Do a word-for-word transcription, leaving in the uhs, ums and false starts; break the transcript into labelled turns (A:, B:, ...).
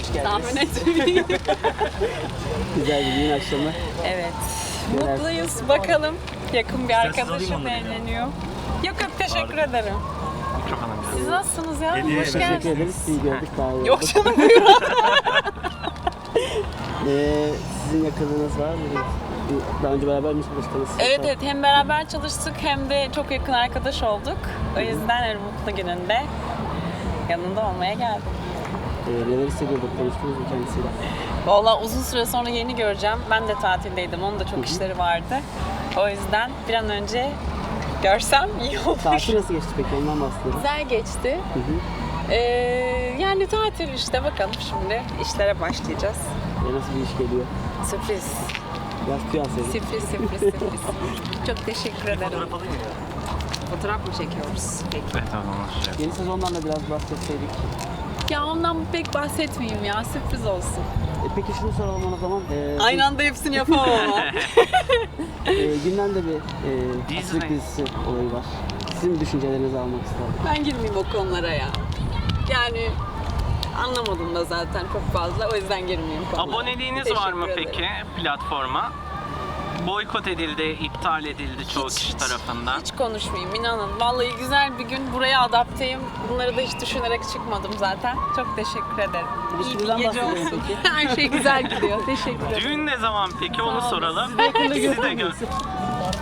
A: hoş geldiniz.
B: Tahmin etmeyin.
A: Güzel bir düğün akşamı.
B: Evet.
A: Neler?
B: Mutluyuz. Bakalım. Yakın bir
C: İsterseniz
B: arkadaşım
C: alayım onları
B: evleniyor. Yok yok teşekkür ederim.
C: Mikrofona biraz.
B: Siz nasılsınız ya?
C: Hediye
B: Hoş
C: verelim.
A: Teşekkür
B: geldiniz.
A: ederiz. İyi gördük. Daha iyi
B: Yok
A: oldu.
B: canım buyurun.
A: Ee, sizin yakınınız var mı? Daha önce beraber mi çalıştınız?
B: Evet evet hem beraber çalıştık hem de çok yakın arkadaş olduk. O yüzden her mutlu gününde yanında olmaya geldim.
A: Ee, neler hissediyorduk? Konuştunuz mu kendisiyle?
B: Vallahi uzun süre sonra yeni göreceğim. Ben de tatildeydim. Onun da çok işleri vardı. O yüzden bir an önce görsem iyi olur.
A: Tatil nasıl geçti peki? Ondan bahsedelim.
B: Güzel geçti.
A: Hı hı.
B: Ee, yani tatil işte bakalım şimdi işlere başlayacağız.
A: Ee, nasıl bir iş geliyor?
B: Sürpriz.
A: Biraz tüy alsaydın.
B: Sürpriz sürpriz sürpriz. Çok teşekkür ederim.
C: Fotoğraf alayım mı ya?
B: Fotoğraf mı çekiyoruz? Peki.
C: Evet tamam. Şey.
A: Yeni sezondan da biraz bahsetseydik.
B: Ya ondan pek bahsetmeyeyim ya. Sürpriz olsun.
A: E, peki şunu soralım o zaman. Ee,
B: Aynı anda hepsini yapamam ama.
A: e, gündemde bir e,
C: Dizi
A: Atatürk
C: mi?
A: dizisi olayı var. Sizin düşüncelerinizi almak isterim.
B: Ben girmeyeyim o konulara ya. Yani anlamadım da zaten çok fazla. O yüzden girmeyeyim konulara.
C: Aboneliğiniz var mı
B: Teşekkür
C: peki
B: ederim.
C: platforma? Boykot edildi, iptal edildi çoğu
B: Hiç,
C: kişi
B: hiç,
C: tarafından.
B: Hiç konuşmayayım inanın. Vallahi güzel bir gün buraya adapteyim. Bunları da hiç düşünerek çıkmadım zaten. Çok teşekkür ederim. İyi bir
A: İlişkinizden
B: gece
A: bahsedelim
B: olsun.
A: peki.
B: Her şey güzel gidiyor. Teşekkür ederim.
C: Düğün ne zaman peki onu
B: Sağ olun.
C: soralım.
B: Sizi yakında
C: Sizi de
B: görür
C: gör.
B: müsün?